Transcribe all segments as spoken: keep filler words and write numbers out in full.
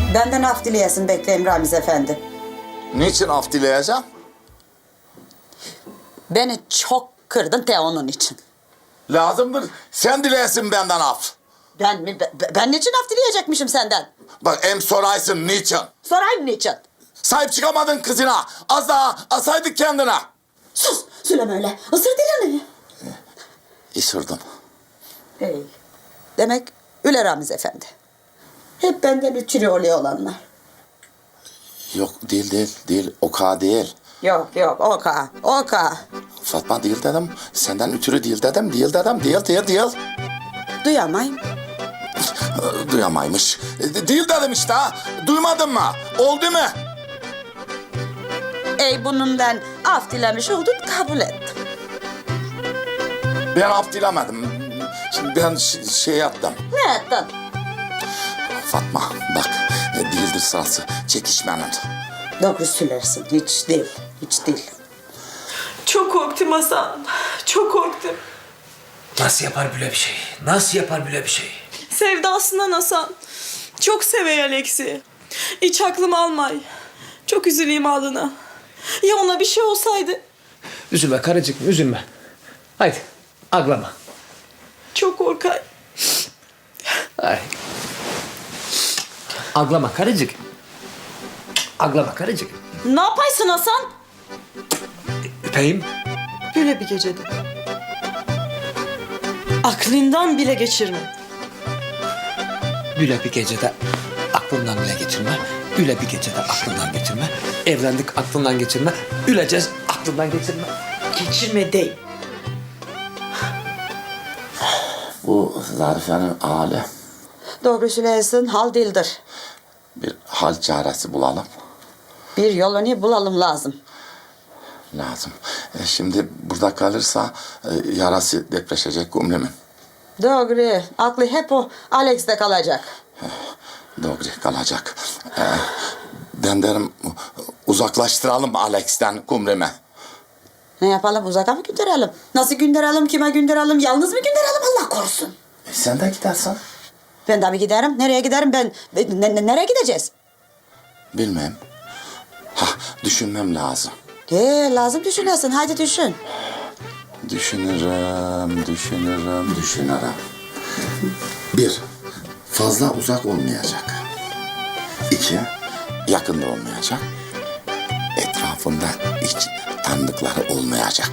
Benden af dileyesin bekleyeyim Ramiz Efendi. Niçin af dileyeceğim? Beni çok kırdın de onun için. Lazımdır. Sen dileyesin benden af. Ben mi? Ben, ben niçin af dileyecekmişim senden? Bak em soraysın niçin? Sorayım niçin? Sahip çıkamadın kızına. Az daha asaydık kendine. Sus! Söyleme öyle. Isır dilini. Isırdım. Hey. Demek öyle Ramiz Efendi. Hep benden üçürü oluyor olanlar. Yok değil değil değil. Oka değil. Yok yok oka oka. Fatma değil dedim. Senden ötürü değil dedim. Değil dedim. Değil değil değil. Duyamayım. Ee, Duyamaymış. Ee, Değil dedim işte ha. Duymadın mı? Oldu mu? Ey bununla af dilemiş oldun kabul ettim. Ben af dilemedim. Şimdi ben ş- şey yaptım. Ne ettin? Fatma bak e, değildir sırası çekişmenin. Doğru söylersin. Hiç değil. Hiç değil. Çok korktum Hasan. Çok korktum. Nasıl yapar böyle bir şey? Nasıl yapar böyle bir şey? Sevdasından Hasan. Çok sevey Alex'i. Hiç aklım almay. Çok üzüleyim ağlına. Ya ona bir şey olsaydı? Üzülme karıcığım, üzülme. Haydi, aglama. Çok korkay. Ay. Aglama karıcık. Aglama karıcık. Ne yapaysın Hasan? Öpeyim. Böyle bir gecede. Aklından bile geçirme. Böyle bir gecede aklından bile geçirme. Öyle bir gecede aklından geçirme. Evlendik aklından geçirme. Üleceğiz aklından geçirme. Geçirme değil. Bu Zarife'nin hali. Doğru söylersin. Hal değildir. Bir hal çaresi bulalım. Bir yolunu bulalım lazım. Lazım. E, şimdi burada kalırsa e, yarası depreşecek Gümrüm'ün. Doğru. Aklı hep o Alex'te kalacak. Doğru kalacak. E, ben derim uzaklaştıralım Alex'ten Gümrüm'e. Ne yapalım? Uzaka mı gönderelim? Nasıl gönderelim? Kime gönderelim? Yalnız mı gönderelim? Allah korusun. E, sen de gidersin. Ben de mi giderim? Nereye giderim ben? Ne- ne- nereye gideceğiz? Bilmem. Ha, düşünmem lazım. He, lazım düşünesin. Haydi düşün. Düşünürüm, düşünürüm, düşünürüm. Bir, fazla uzak olmayacak. İki, yakında olmayacak. Etrafında hiç tanıdıkları olmayacak.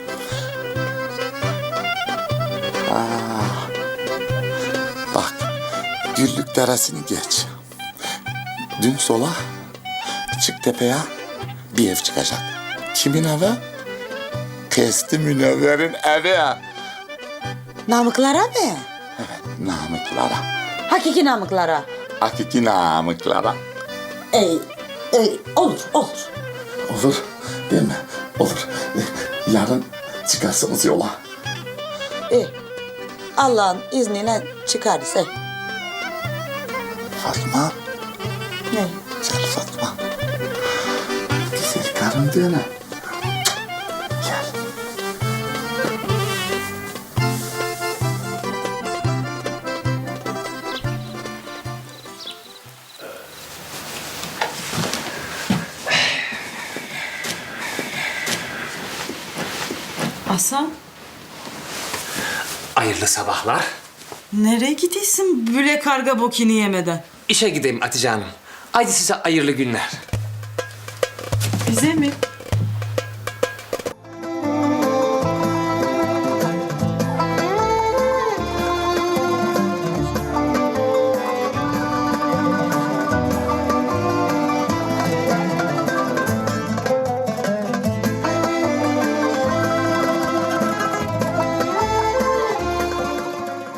Ah, bak, Güllük Deresi'ni geç. Dün sola, çık tepeye bir ev çıkacak. Kimin evi? Testi Münevver'in evi. Namıklara mı? Evet, namıklara. Hakiki namıklara. Hakiki namıklara. Ey, ey, olur, olur. Olur, değil mi? Olur. Yarın çıkarsınız yola. İyi. Allah'ın izniyle çıkarız. Ey. Fatma, Ne? güzel Fatma. Güzel karım değil mi? Gel. Hasan, Hayırlı sabahlar. nereye gidiyorsun böyle karga bokini yemeden? İşe gideyim Hatice Hanım. Haydi size hayırlı günler. Bize mi?